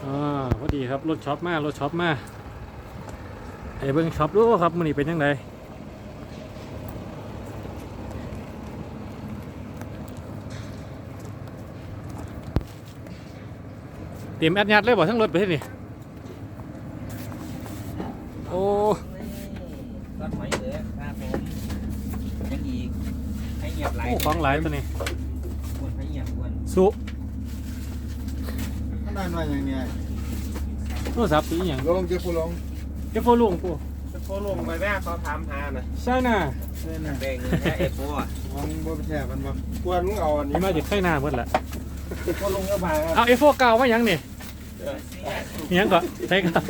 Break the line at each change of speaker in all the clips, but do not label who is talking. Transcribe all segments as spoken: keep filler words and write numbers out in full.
อ๋อพอดีครับรถช็อปมารถช็อปมาไอ้เบิ้งช็อปดูครับมันนี่เป็นยังไงเตรียมแอดยัดเลยบ่ทั้งรถไปที่นี่โอ้
รถหอยเหลือครับผมยังอีกให้เงียบไหล
โอ้ของหลายตัวนี้
ควรให้เงียบควร
สุ
ข้างหน้าหน่อยอย่างเนี้ย
โทรศัพท์สีอย่าง
ลงเจ้าผู้ลง
เจ้าโฟลุงปู
จะโทรลงไปแม่เขาถามหาหน่อย
ใช่น่ะ
ใช่น่ะ
แบ่งเงินให้เอฟโฟอ่ะ
มองบ่แช่มันบ่ควรมึงเอาอัน
นี่
นี้
มาจากไข่หน้าเพิ่นละ
โทรลงก็มาครับ
เอาเอฟโฟเก่ามายังนี่ยังก่อนใช่ครับ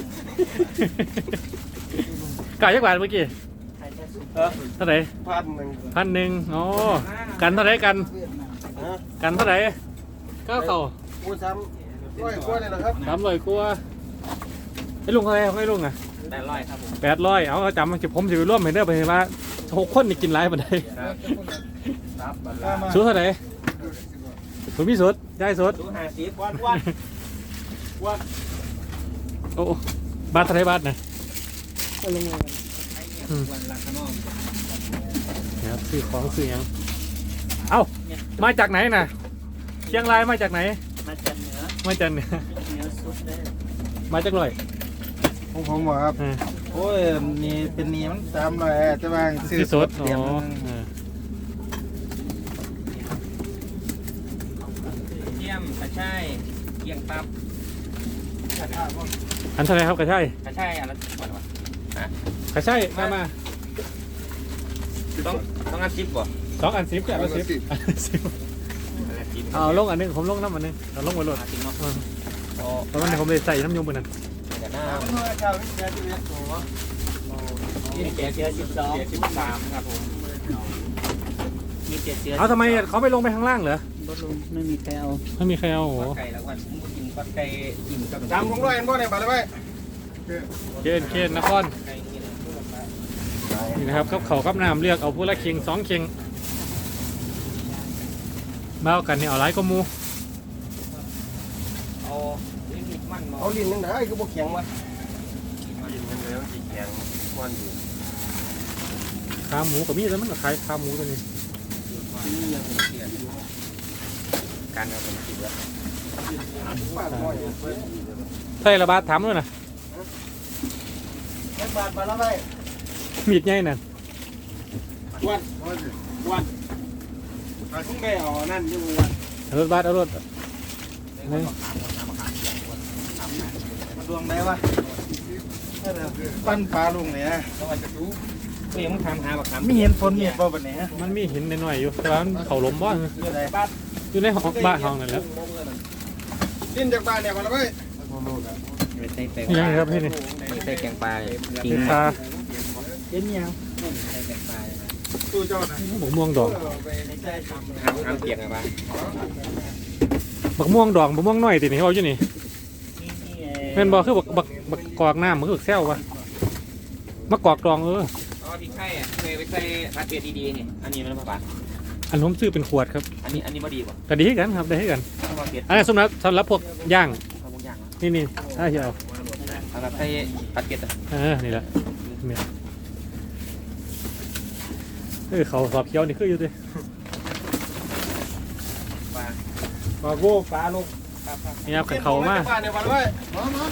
เก่าจักบาทเมื่อกี้
เออ
เท่าไหร่
พันหนึ่ง
พันหนึ่งอ๋อกันเท่าไหร่กัน
ฮะ
กันเท่าไหร่เก้าเข่า
กูซ้ำร้อยกว่าเลยนะครับ
สามร้อยกว่าไอ้ลุงเท่าไหร่ให้ลุงอ่ะ
แปดร้อยครับผม
แปดร้อยเอาเอาจำมันผมจะไปร่วมเห็นเด้อไปเห็นว่าหกคนนี่กินหลายปานใด
ครับบัล
มา
ลา
มา
สุดเท่าไหร่สุดพี่สุดได้สุด
ดูห้าสิบวันวันวัน
โอ้บาทเท่าไหร่บาทนะ
ให้เงียบวันละข้างนอก
นะครับซื้อของซื้อหยังเอ้ามาจากไหนน่ะเชียงรายมาจากไหน
มาจากเหนือ
มาจากเหนือ
เหนือสุดเลย
มาจากร้อย
ของผมบ่ครับ
อ่า
โอ้ยนี่เป็นนี่มันสามร้อยแต่ว่าซื้อ
พี่สุด
เตรียม
อ๋อ
มัน
อ่า
เยี่ยมกระช่ายเกียงตับ
อันเท่าไหร่ครับกระช่าย
กระช่ายอะไรก่อนวะ
กระช่ายมามา
ต้องต้องอันซิปก่อน
สองอันสิบแกะละสิบอันสิบ
อันซิป
เอาลงอันหนึงผมลงน้ำอันหนึงเอาลงไปโหลด
ซิปเนาะ
อ่า
โอ้
เพราะว่าผมเลยใส่น้ำยมไปนั่น
แต่หน้า
สามร้อยเก้าสิบแปดสิบเอ็ดตัว
มีเจ็ดเชื้อสิบสองสิบสามครับผมมีเจ็ดเชื้อ
เอาทำไมเขาไม่ลงไปข้างล่างเหรอ
รถลงไม่มีใครเอา
ไม่มีใครเอาโอ้โห
ไก่แล้ววันผมก็กินก็ไก่อิ่มกับ
สามของร้อยเห็นบ่เนี่ยบัดเลยไว้
เคนเคนนคร
ไก่กิน
นี่นะครับกับเขาวกับน้ำเลือกเอาผู้ละเคียงสองเคียงมาเอากันนี่เอาหลายก็มู
เอาลิ้นมิดมันมา
เอาลิ้นยังได้คือบ่แข็งวะ
ลิ้นมันเลยมันสีแข็งมันอยู่
ขาหมูกับมีแล้วมันก็ขายขาหมูตัวนี้
ที่ยังเสียอยู่การเอาเป็นกินแล้ว
บาทร้อย
ใส่ระบาดถามด้วยนะ
แค่บาทบาทละไว้
มีดใหญ่นั่น
วันวันวันมึงไปเอานั่นอยู่วัน
เอารถบาดเอารถ
นี่
มาดวงได้วะปั้นปลาลุงเนี่ย
ต้องมาจะรู้ก็ยังมึงทำหาแบบทำ
ไม่เห็นฝนเมียดบ่บัดนี้ฮะ
มันมีหินหน่อยๆอยู่แต่ว่ามันเขาล้มบ่
อยู่ไหนบ้าน
อยู่ในห้องบ้านห้องนั่นแหล้ว
ดิ้นจากบ้านเนี่ยมาแล้วเว้ย
ไม่ใช่แปลง
นี่ยังครับพี่นี่
ไม่ใช่แกงปลาจริง
เป็น
ไหม
ปลา
เห็นยัง
ไม่ใช่แกงปลา
ตู้เจ้านะ
บักม่วงดอง
ทำทำเกียงอะไรบ้าง
บักม่วงดองบักม่วงน้อยตินี่เอาอยู่นี่แม่นบ่คือบักบักบักกอกน้ำมันคือแซววะมะกอกดองเออ
อ๋อที่ใช่อ่ะเคยไปใส่ปลาเกล็ดดีๆนี่อันนี้มันปลา
อันผมซื้อเป็นขวดครับ
อันนี้อันนี้บ่ดีป่ะ
ก็ดีกันครับได้ให้กัน
ปลาเกล็ด
อันนี้สำหรับสำหรับพวกย่าง
เอาพวกอย่าง
นี่นี่ถ้าเหี่ยว
สำหรับใส่ปลาเกล็ดอ่ะ
เออนี่แหละเนี่ยเออเขาสอบเขียวนี่คืออยู่ดิ
ปลา
ปลาโก้ปลาลูก
ครับครับ
นี่ครับขันเขามา
บ้านเนี่ยมาแล้วเว้ยมามา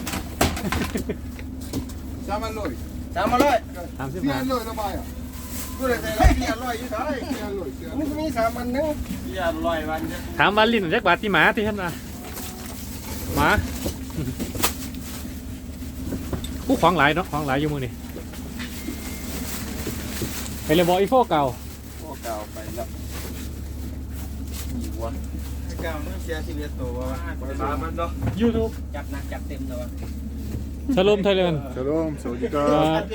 สามพันเลยสามพันเลย
สามสิบ
เสีย
บาท
เลยระบายอ่ะกูเลยใจละเสียร้อยอยู่ได้เสียเลยเสียมึงก็มีสามพันนึงเสียร้อยวัน
ถามว่าลิ้นจักบาทที่หมาที่ท่านนะหมาผู้ของหลายเนาะของหลายอยู่มือนี่ไปเลยบอกอีโฟเก่า
พวกเก่าไปแล้วอยู่วะเก่ามันเสียชีวิตตัววะสามพันเนาะ
ยูทูบ
จับหนักจับเต็มเลยวะ
ชโลมไทยแลนด์
Shalom, saudi ka.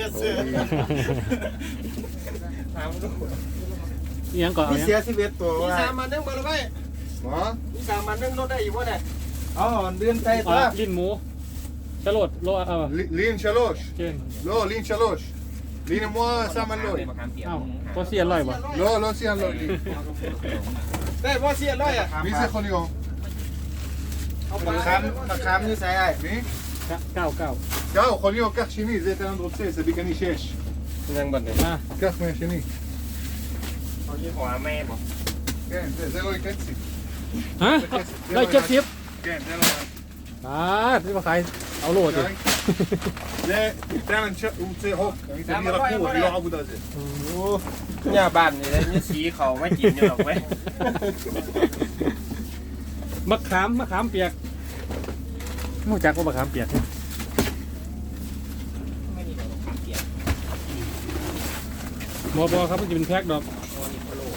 ถามดู
นี่ยังก่อนเอา
มี
ยัง
เสียชีวิตตัว
มี
วะ
สามมันนึงมาแล้วไหม
หมอ
มีสามมันนึงรถได้อยู่วะเนี่ย
อ๋อเดือนไทย
เอา
ตัว
ลิ้นหมูชโลดโลเอา
Lin shalosh.
เจน
לא, לין שלוש. לין אמרה שמה לוי.
มะขามเปียก
เอ้าตัวเสียร่อยบ่
לא, לא סיימנו.
ได้พ่อเสียร้อยอ่ะ
מי זה יכול להיות? มะขามมะขามนี่ใส่ไอ้นี่
เก้าเก้า
เก้าคนนี้เอากักชินี่เจ้าต้องรู้เสียสบิกันนี่เชชยังบัดเนี่ย
อ่ะ
กักแม่ชินี่
เขาชื่อหัวแม่บอก
แกนเจ้าร้อยเจ็ดสิบ
ฮะได้เจ็ดสิบ
แกนเจ้าร้อย
อ่าที่มาขายเอาโลดดิ
เจ้ามันเชื่ออุ้งเจ้าหกนี่จะมีระคู่ที่เราเอาบุตรเจ้า
เนี่ยบ้านนี่เลยนี่สีเขาไม่กินอยู่หรอกเว้ย
มะขามมะขามเปียกรู้จักว่ามะขามเปียก
ไม่มีหรอกความเกลียด
บอบอครับมันจะเป็นแพ็คดอก
โอ้นี่โคโล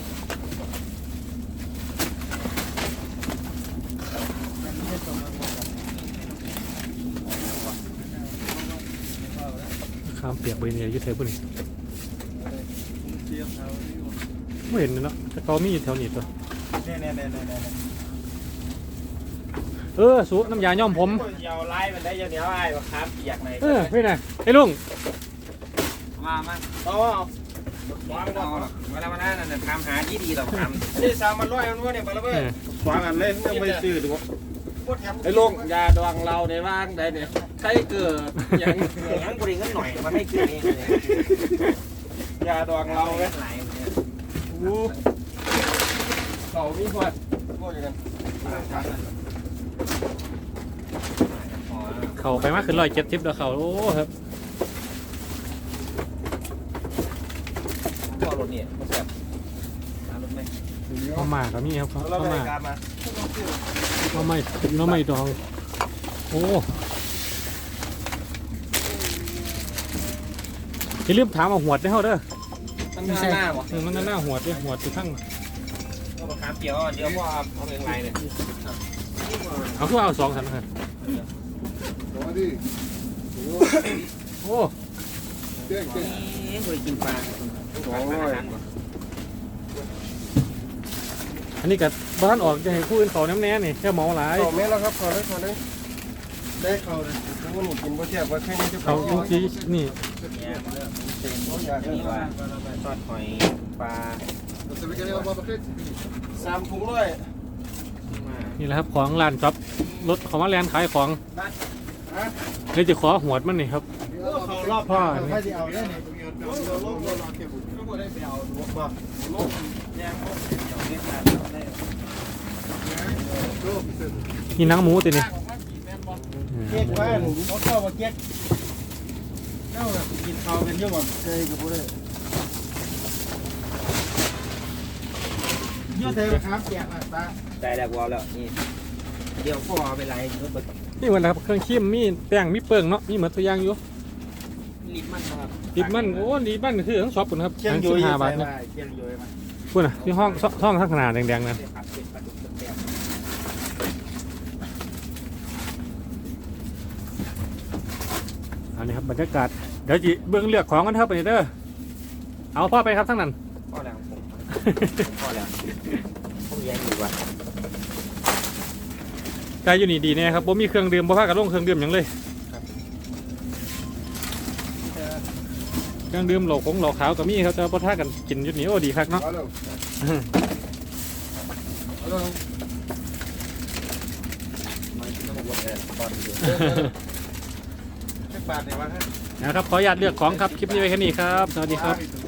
มะขามเปียกใบเนี่ยอยุ่เทปุ่นนี่ไม่เห็นเลยเนาะแต่เขามีอยู่แถวนี้ตัว
เนี่ยเนี่ยเนี่ยเนี่ย
เออสูน้ำยาย่อมผม
ยาวไล่มันได้ยาวเหนียวไอ้ว่าค้ามเปียกไหน
เออไม่น่ะไอ้ลุง
มามาโอ้วางเอาหรอกเวลามาหน้านั่นทำหาที่ดีหรอกทำนี่สามมันร้อยมันว่าเนี่ยมาแล้วเว้ย
วางอันเล่นยังไม่ซื้อดู
ไอ้ลุงยาดองเราในว่างได้เนี่ยใครเกิดอย่างอย่างบริเงินหน่อยมันไม่เกิดเองเลยยาดองเราเนี่ย
อู้
เขามีพอด
พูดกัน
เขาไปมากขึ้นร้อยเจ็ดทิปแล้วเขาโอ้ครับ
พ่อรถเนี่ยมาแซ่บรถไหม
ข้าวหมากก็มีครับข้าว
เรา
ข้าวห
ไป
มาก
การมา
ข้าวไม่ข้าวไม่ดองโอ้อย่าลืมถามเอาหวดได้เขาเด้อ
มันหน้าบ่
เออมันน่าหน้าหวดด้วยหวดอยู่ข้าง
ก็มาค้ามเปียกเดี๋ยวพ่อเอาเป็นไรเนี่ย
เอาคือเอาสองสันนะครับ
สวัสดี
โอ้
เจ๊เจ๊
นี่เคยกินปลา
โอ้ย
อันนี้กับบ้านออกจะให้คู่อื่นเขาน้ำแน่นี่แค่เมาหลาย
ขอแม่แล้วครับขอเลยขอเลยได้เขาเลยผมก็หนูกินบ่แซ่บว่าแค่นี้จะ
เขาจริงๆนี่
เนี่ยเริ่มเป็น
อยากให้
นี่ว่าทอดหอยปลา
สามถุงเลย
นี่แหละครับของร้านครับรถของมาแลนขายของเลยจะขอหวดมันนี่ครับ
เขารอบพ่อใครจะเอาได้เนี่ยเราลงเราลองเก็บก็บ่ได้ไปเอาลงบ่ลง
ย่างเดี๋ยวนี้ทานได้
นี่หนังหมูตัวนี้
เก๊กว่าหนูเขาเข้ามาเก๊กเจ้ากินข้าวกันเยอะบ่เคยกับบ่ได้เยอะเท่ครับแจกอ่ะตา
ได้แล้ววอลแล้วนี่เดี๋ยวพ่อเอาไปไล่รถไป
นี่วันละเครื่องชิมมีแป้งมีเปิงเนาะมีเหมือนตัวอย่างอยู่
ลิปมันครับ
ดิบมันโอ้ดิบมันคือทั้งช็อปปุ่นครับ
เชียง
ทั้ง
ยุ
สิ
ย
บห้าบาทนะ
เชียงยุยมา
พูดนะที่ห้องช่องข้างขนาดแดงๆนั่น
ผัดเผ็ดปลาดุกแซ่บ
อันนี้ครับบรรยากาศเดี๋ยวจีเบื้องเลือกของกันเถอะไปเด้อเอาพ่อไปครับทั้งนั้น
พ่อแล้วผมพ่อแล้วผมยังอยู่ว่ะ
ใจอยู่นี่ดีแน่ครับผมมีเครื่องดื่มบ่พากันลงเครื่องดื่มหยังเลยเครื่องดื่มเหล่าของเหล่าขาวก็มีครับแต่บ่พากันกินอยู่นี่โอ้ดีคักเนาะ
ฮัลโหลฮัลโหล
มันต้องวนเลยตอนเดียว
เช็คบาทเนี่ยวะฮะ
นะครับขออนุญาตเลือกของครับคลิปนี้ไว้แค่นี้ครับสวัสดีครับ